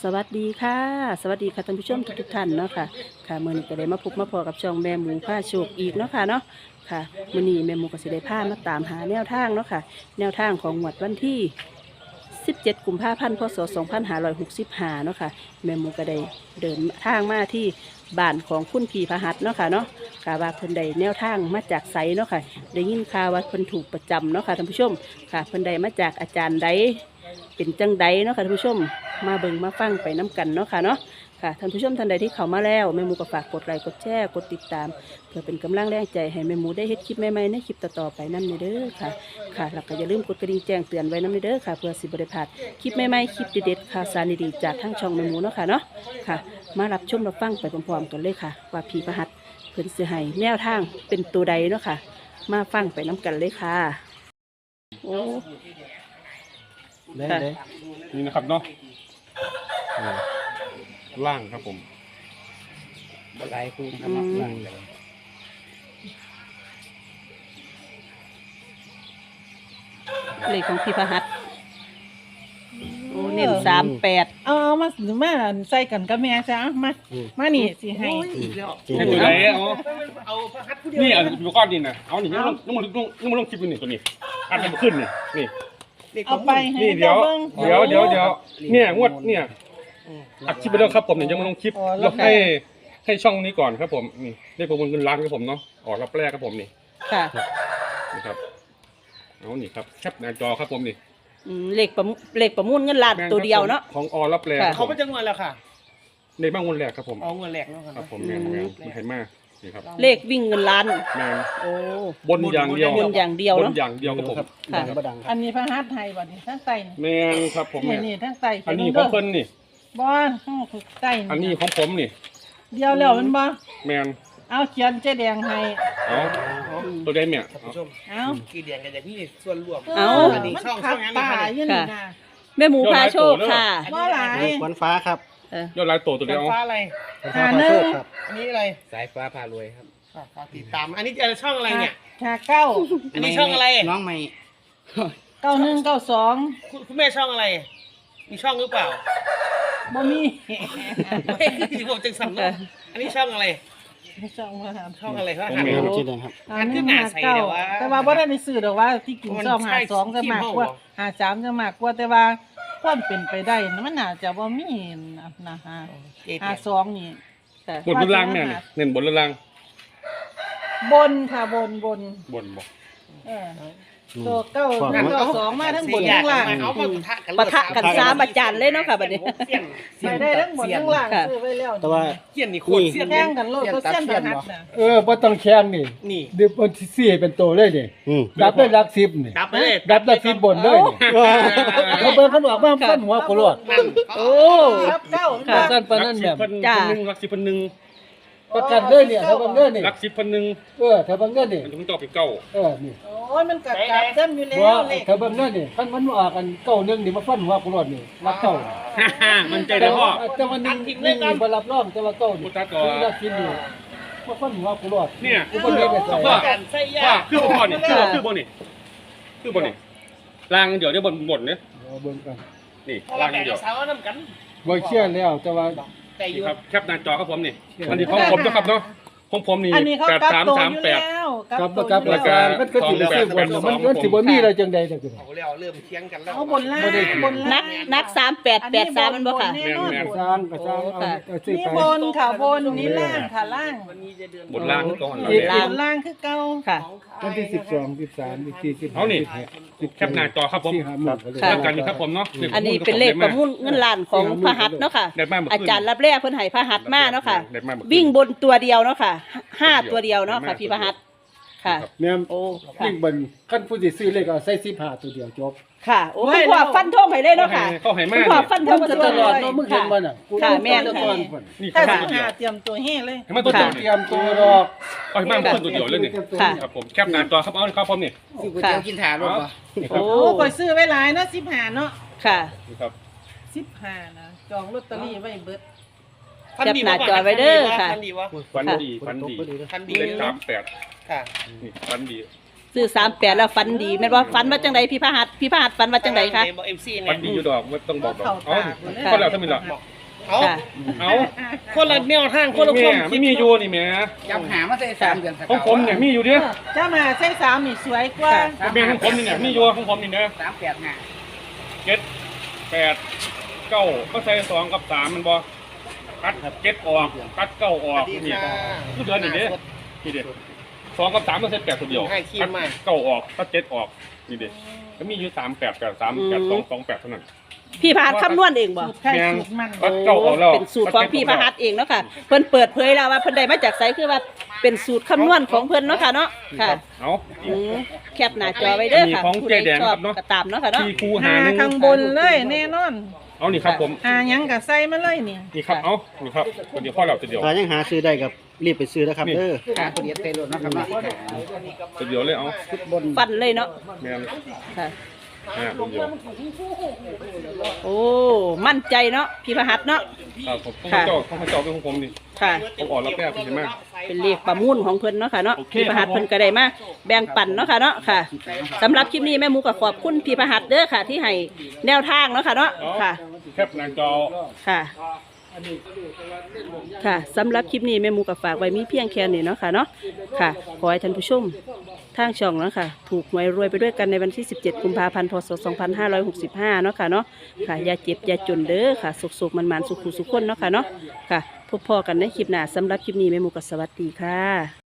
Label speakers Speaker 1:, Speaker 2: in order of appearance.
Speaker 1: สวัสดีค่ะสวัสดีค่ะท่านผู้ชมทุกท่านเนาะค่ะค่ะมื้อนี้ก็ได้มาพบมาพอกับช่องแม่หมูผ้าโชคอีกเนาะค่ะเนาะค่ะมื้อนี้แม่หมูก็สิได้พามาตามหาแนวทางเนาะค่ะแนวทางของงวดวันที่17กุมภาพันธ์พศ2565เนาะค่ะแม่หมูก็ได้เดินทางมาที่บ้านของคุณพี่พหัสเนาะค่ะเนาะค่ะว่าเพิ่นได้แนวทางมาจากไสเนาะค่ะได้ยินข่าวว่าเพิ่นถูกประจำเนาะค่ะท่านผู้ชมค่ะเพิ่นได้มาจากอาจารย์ใดเป็นจังใดเนาะค่ะท่านผู้ชมมาเบิ่งมาฟังไปน้กันเนาะค่ะเนาะค่ะท่านผู้ชมท่านใดที่เข้ามาแล้วแม่หมูก็ฝากกดไลค์กดแชร์กดติดตามเพื่อเป็นกำลังแรงใจให้แม่หมูได้เฮ็ดคลิปใหม่ๆในคลิปต่อๆไปนำเด้อค่ะค่ะแล้วก็อย่าลืมกดกระดิ่งแจ้งเตือนไว้นำเด้อค่ะเพื่อสิบ่ได้พลาดคลิปใหม่ๆคลิปเด็ดๆข่าวสารดีๆจากทางช่องแม่หมูเนาะค่ะเนาะค่ะมารับชมรับฟังไปพร้อมๆกันเลยค่ะว่าพี่พหัสเพิ่นสิให้แนวทางเป็นตัวใดเนาะค่ะมาฟังไปน้กันเลยค่ะโอ้
Speaker 2: ได้
Speaker 1: ค่ะ
Speaker 2: ได้
Speaker 3: นี่นะครับเนาะล่างครับผม
Speaker 2: หลายคู่ครับล่างเลย
Speaker 1: เลขของพี่พหัสโอ้เน้น38
Speaker 4: เอามาใส่กันกับแม่จ้ะมานี่สิให้
Speaker 2: จริง
Speaker 3: นี่ตัวไหนเอานี่เอาดูก้อนดินนะเอานี่ยังมาลงคลิปนี่ตัวนี้อันมันขึ้นนี่
Speaker 4: เอาไปให้
Speaker 3: นี่เดี๋ยว
Speaker 4: บิ่ง
Speaker 3: เนี่ยงวดเนี่ยอัดคลิปไปแล้วครับผมเนี่ยยังมาลงคลิปแล้วให้ช่องนี้ก่อนครับผมนี่ได้ประมูลเงินล้านครับผมเนาะออกรับแรกครับผมนี่
Speaker 1: ค่ะ
Speaker 3: นะครับเอานี่ครับแคปหน้าจอครับผมนี่
Speaker 1: เลขประมูลเงินล้านตัวเดียวเนาะ
Speaker 3: ของอรับแรก
Speaker 1: ค่ะ
Speaker 3: ค
Speaker 5: เขา
Speaker 3: รับ
Speaker 5: เป็นจังหวัดแล้วค่ะ
Speaker 3: ในบ้างวันแรกครับผม
Speaker 5: เอาเงินแหลกเนาะ
Speaker 3: ครับผมแมนมันไทยมากนี่ครับ
Speaker 1: เลขวิ่งเงินล้าน
Speaker 3: แมน
Speaker 1: โอ้
Speaker 3: บนอย่างเดียว
Speaker 1: บนอย่างเดียว
Speaker 3: บ
Speaker 1: เนาะ
Speaker 3: นอย่างเดียวครับผม
Speaker 2: ครับ
Speaker 1: ค่ะ
Speaker 2: ดังบ่ดังค
Speaker 4: อั
Speaker 2: รับ
Speaker 4: นนี้พระหัตถ์ไทยบัดนี้ทั้งไตนี่
Speaker 3: แมนครับผมแมน
Speaker 4: นี่ทั้งไต
Speaker 3: อันนี้ของเพิ่นนี่
Speaker 4: บ่ทั้งไต
Speaker 3: อันนี้ของผมนี่
Speaker 4: เดียวแล้วมันบ่
Speaker 3: แมน
Speaker 4: เอาเขียนเจ๊แดงให้
Speaker 3: เอาตัวได้เนี่ย
Speaker 5: ท่านผู้ชม
Speaker 4: เอา
Speaker 5: กี่เดือนกันจะพี่ส่วนรวม
Speaker 1: เอา
Speaker 5: อันนี้
Speaker 4: มัน
Speaker 5: ช่อง
Speaker 4: ขัด
Speaker 5: นั้น
Speaker 4: ตา
Speaker 5: นะคะ
Speaker 4: อยู่นี่นะ
Speaker 1: แม่หมูพาโชคค่ะ
Speaker 4: บ่หลาย
Speaker 2: ควันฟ้าครับ
Speaker 3: ยอดลายตัวตัว
Speaker 5: ไฟ
Speaker 3: เดียว
Speaker 5: ฟ้าอะไร
Speaker 2: ควันฟ้าพาโชคครับ
Speaker 5: อันนี้อะไร
Speaker 2: สายฟ้าพารวยครับ
Speaker 5: ฝากติดตาม อันนี้จะช่องอะไรเนี่ย
Speaker 4: หาเก้า
Speaker 5: อันนี้ช่องอะไร
Speaker 2: น้องใหม่
Speaker 4: 9192
Speaker 5: คุณแม่ช่องอะไร มีช่องหรือเปล่า
Speaker 4: บ่มี
Speaker 5: ไม่คือผมจึงสำนึกอันนี้ช่องอะไร
Speaker 4: ช่องมาถาม
Speaker 5: ช่องอะไรครับ
Speaker 3: ผม
Speaker 5: หัน
Speaker 3: แม
Speaker 2: น้องชื่อแดงครับ
Speaker 5: อันขึ้นหน้าใสเดี๋ยวว่า
Speaker 4: แต่ว่าบ่ได้ในสื่อดอกว่าที่กิน
Speaker 5: มัน
Speaker 4: ซ่อม
Speaker 5: ใช่
Speaker 4: 52จะมากกว่า
Speaker 5: ขี้เมา
Speaker 4: 53จะมากกว่าแต่ว่าความเป็นไปได้มันน่าจะบ่มีนะฮะ
Speaker 5: เจ๊แดง
Speaker 4: 52นี่
Speaker 1: ค่ะ
Speaker 3: บนหรือล่างเนี่ยเน้นบนหรือล่าง
Speaker 4: บนค่ะบน
Speaker 3: บนบอก
Speaker 4: เออตัวเก้า
Speaker 2: ฝั่ง
Speaker 4: เก้าสองมาทั้งบนทั้งล่าง
Speaker 5: เอามาปะทะกัน
Speaker 1: ปะทะกันสามอาจารย์เลยเนาะค่ะบัดนี้
Speaker 4: ไปได้ทั้งบนทั้งล่าง
Speaker 1: ค่ะ
Speaker 4: ซื้อไว้แล้ว
Speaker 2: แต่ว่า
Speaker 5: เสี้ยนนี่โคตรเสี้ยน
Speaker 4: แข่งกันโลดก็เส้นประทัดน่ะ
Speaker 6: บ่ต้องแข่งนี่
Speaker 5: นี่
Speaker 6: เดี๋ยวมันสิสี่เป็นตัวเลยนี่
Speaker 2: อืม
Speaker 6: ดับได้หลักสิบนี่
Speaker 5: ดับไปเลย
Speaker 6: ดับหลักสิบบนเลยนี่เขาเบิ่งเขาบอกว่าฟันหัวกูรอด
Speaker 5: นั่น
Speaker 1: โอ้
Speaker 4: ครับเก้า
Speaker 1: ค่ะ
Speaker 6: สั้นปานนั้นแบบ
Speaker 1: จ้า
Speaker 3: รักสิบพันหนึ่ง
Speaker 6: ประกันเลยเนี่ยถ้าเบิ่งเด้อนี่
Speaker 3: รักสิบพันหนึ่ง
Speaker 6: ถ้าเบิ่งเด้อนี่
Speaker 3: มันต้องเป็นเก้า
Speaker 6: นี่
Speaker 4: โอ้ยมันกัดเส้นอยู่แล้
Speaker 6: บ่
Speaker 4: วเลย
Speaker 6: ถ้าเบิ่งเด้อนี่คันมันออกกันเก้าหนึงนี่มาฟันหัวกูรอดนี่รักเก้า
Speaker 3: มันใจได้พ่อ
Speaker 6: แต่วันนึงนี่บ่รับรองแต่ว่าเก้านี่
Speaker 3: กูตัดต่อ
Speaker 6: รักสิบนี่มาฟันหัวกูรอด
Speaker 3: เนี่ย
Speaker 6: กูบ่ได้ไปใส่
Speaker 3: พ่อ
Speaker 5: กันไส้ยา
Speaker 3: ว่าคือบ่นี่คือบนี่คือบนี่ล่างเดี๋ยวได้บนเนี่ย
Speaker 6: เบิ่งกัน
Speaker 3: นี่
Speaker 5: เพราะ
Speaker 3: ล่า
Speaker 5: ว่าง แต่
Speaker 3: เดี๋ยว
Speaker 5: สาวน้ำกัน
Speaker 6: บ่เชื่อแล้วแต่ว่า
Speaker 5: แต่อยู่
Speaker 3: ครับแคปหน้าจอครับผมนี่อันนี้ของผมนะครับเนาะของผมนี่
Speaker 4: อันนี้เขา
Speaker 3: แปด
Speaker 4: กัด
Speaker 3: สาม
Speaker 4: ตัว
Speaker 3: สาม
Speaker 4: อยู่
Speaker 3: แปด
Speaker 4: แล้ว
Speaker 6: กับ
Speaker 4: ตัวอยู่
Speaker 6: รา
Speaker 4: แล้ว
Speaker 6: คามันก็สิไปซื้อบนมันสิบ่มีอะไรจังใดจังซี่
Speaker 5: เอาแล้วเริ่มเทียงกันแล้ว
Speaker 4: เอาบนล่าง
Speaker 6: บ่ได้
Speaker 1: นัก3883มันบ่ค่ะ
Speaker 4: แน่นอน
Speaker 6: สร้างก็สร้างเอาซื้อ
Speaker 4: นี่
Speaker 6: ไป
Speaker 4: บนค่ะบนนี่ล่างค่ะล่าง
Speaker 5: วันนี้จะเดือน
Speaker 3: บนล่างก่อน
Speaker 1: บนล่าง
Speaker 4: บนล่างคือเก่า
Speaker 1: ค่ะ
Speaker 6: วันที่12 13 14
Speaker 3: เอานี่แคปหน้าจอครับผม
Speaker 6: 15หมื่นก็เลย
Speaker 1: ค่ะ
Speaker 3: แล้วกันนี่ครับผมเนาะ
Speaker 1: อันนี้เป็นเลขประมูลเงินล้านของพหัสเนาะค่ะ
Speaker 3: ได้มาก
Speaker 1: อาจารย์รับแรกเพิ่นให้พหัสมาเนาะค่ะ
Speaker 3: ได้มาก
Speaker 1: วิ่งบนตัวเดียวเนาะค่ะ5ตัวเดียวเนาะค่ะพี่พหัสค่ะ
Speaker 6: แม่น
Speaker 1: โอ้ค่ะ
Speaker 6: วิ่งบนคันผู้สิซื้อเลขเอาใส่15ตัวเดียวจบ
Speaker 1: ค่ะโอ้คุณพ่อฟันธงให้เลยเนาะค่ะ
Speaker 3: เข้าให้มา
Speaker 1: คุณพ่อฟันธ
Speaker 6: มึ
Speaker 1: ง
Speaker 6: ง
Speaker 1: มา
Speaker 6: จะ
Speaker 1: ต
Speaker 6: ต
Speaker 1: ล
Speaker 6: ล
Speaker 1: อ
Speaker 6: อ
Speaker 1: ด
Speaker 6: ดเนาะมึงเห็นบ่น่ะ
Speaker 1: ค่ะแม่นค่ะ
Speaker 3: นี่
Speaker 4: ถ้า
Speaker 3: ครับ
Speaker 4: สิบหาเตรียมตัวเฮ้เลย
Speaker 3: ให้มาตัว
Speaker 6: ต้
Speaker 3: เดี
Speaker 6: อ
Speaker 3: ยว
Speaker 6: งเตรียมตัวดอก
Speaker 3: เอาให้มาเพิ่มตัวเดียวเลยนี่
Speaker 1: ค่ะ
Speaker 3: ครับผมแคปหน้าจอครับเอาครับผมนี่
Speaker 2: ซื้อก๋วยเตี๋ยวกินถารถป่ะ
Speaker 3: นี่ครับ
Speaker 1: โอ้
Speaker 4: โอ้คอยซื้อไว้หลายเนาะ15เนาะ
Speaker 1: ค่ะ
Speaker 3: นี่ครับ
Speaker 4: 15นะจองลอตเตอรี่ไว้เบิด
Speaker 5: ฟันดี
Speaker 1: แคปหน้าจอไว้เด้อค่ะ
Speaker 5: ฟันดีวะ
Speaker 3: ฟันดีฟันดี
Speaker 5: ฟันดี
Speaker 3: เลข38
Speaker 5: ค่ะ
Speaker 3: นี่ฟันดี
Speaker 1: ซื้อ38แล้วฟันดีแม่นว่าฟันว่าจังไดพี่พหัสฟันว่าจังไดคะ
Speaker 5: บอกเอ็มซี
Speaker 3: ฟั
Speaker 5: เนี่
Speaker 3: น
Speaker 5: ย
Speaker 3: ดีอยู่ดอกไม่ต้องบอกดอก
Speaker 4: เข้า
Speaker 3: อ๋อ
Speaker 4: ตา
Speaker 3: ก็แล้วถ้ามีหรอก
Speaker 5: เอา
Speaker 1: ค่ะ
Speaker 3: เอา
Speaker 5: คนละแนวทางคนละค
Speaker 3: แม่
Speaker 5: วาม
Speaker 3: ไม่
Speaker 5: คิด
Speaker 3: มีอยู่นี่แม่
Speaker 2: จำหามาใส่3 เดือนสัก
Speaker 3: ของผมเนี่ยมีอยู่เด้อ
Speaker 4: เจ้ามาใช้สามนี่สวยกว่า
Speaker 3: แม่ของผมนี่เนี่ยมีอยู่ของผมนี่นะ
Speaker 2: 385
Speaker 3: 7 8 9ก็ใส่2กับ3มันบ่ตัด7ออกตัด9ออกนี่คือเดือนนี่เด้นี่เด้2กับ3ก็ใส่8ตัวเดียวตัด9ออกตัด7ออกนี่เด้ก็มีอยู่3 8 8 3 8 2 2 8เท่านั้น
Speaker 1: พี่พหัสคำนวณเองบ่
Speaker 4: สูตรไข่สูตรมัน
Speaker 3: ตัดเก้าออกแล้ว
Speaker 1: เป็นสูตรของพี่พหัสเองเนาะค่ะเพิ่นเปิดเผยแล้วว่าเพิ่นได้มาจากไสคือว่าเป็นสูตรคำนวณของเพิ่นเนาะค่ะเนาะค่ะ
Speaker 3: เอา
Speaker 1: แคปหน้าจอไว้เด้อค่ะ
Speaker 3: มีของ
Speaker 1: ผู้
Speaker 3: เจ๊
Speaker 1: ใด
Speaker 3: แดง
Speaker 1: ชอบ
Speaker 3: ครับเนาะ
Speaker 1: ก็ตามเนาะค่ะเนาะ
Speaker 3: ที่ครู
Speaker 4: หา
Speaker 3: หาหนึ่ง
Speaker 4: ข้างบนเลยแน่นอน
Speaker 3: เอานี่ครับผม
Speaker 4: หาหยังก็ใส่มาเลยนี่
Speaker 3: นี่ครับเอานี่ครับตัวเดียวพ่อเราตัวเดียว
Speaker 6: ถ้ายังหาซื้อได้กับรีบไปซื้อนะครับเด้อ
Speaker 2: ขาเปลี่ยนเตโลนะครับเนาะ
Speaker 3: ตัวเดียวเลยเอา
Speaker 2: ชุดบน
Speaker 1: ฟันเลยเนาะ
Speaker 3: แม่น
Speaker 1: ค่ะ
Speaker 3: ตัวเดียว
Speaker 1: โอ้มั่นใจเนาะพี่พหัสเนาะ
Speaker 3: ครับผมต้องเจ้าเป็นของผมนี่
Speaker 1: ค่ะ
Speaker 3: ผมออกแล้วแป๊บเห็นไหม
Speaker 1: เป็นเลขประมูลของเพิ่นเนาะค่ะเนาะ
Speaker 3: โอเค
Speaker 1: พี่พหัส
Speaker 3: ครับผม
Speaker 1: เพิ่นก็ได้มาแบ่งปันเนาะค่ะเนาะค่ะสำหรับคลิปนี้แม่หมูก็ขอบคุณพี่พหัสเด้อค่ะ ที่ให้แนวทางเนาะค่ะเนาะค่ะ
Speaker 3: แคปหน้าจอ
Speaker 1: ค่ะ ค่ะสำหรับคลิปนี้แม่หมูกับฝากไว้มีเพียงแค่นี้เนาะค่ะเนาะค่ะขอให้ท่านผู้ชมทางช่องเนาะค่ะถูกหวยรวยไปด้วยกันในวันที่ 17 กุมภาพันธ์ พศ 2565 เนาะค่ะเนาะค่ะอย่าเจ็บอย่าจนเด้อค่ะสุขๆมันๆสุขๆสุขคนเนาะค่ะเนาะค่ะพบพอกันในคลิปหน้าสำหรับคลิปนี้แม่หมูกับสวัสดีค่ะ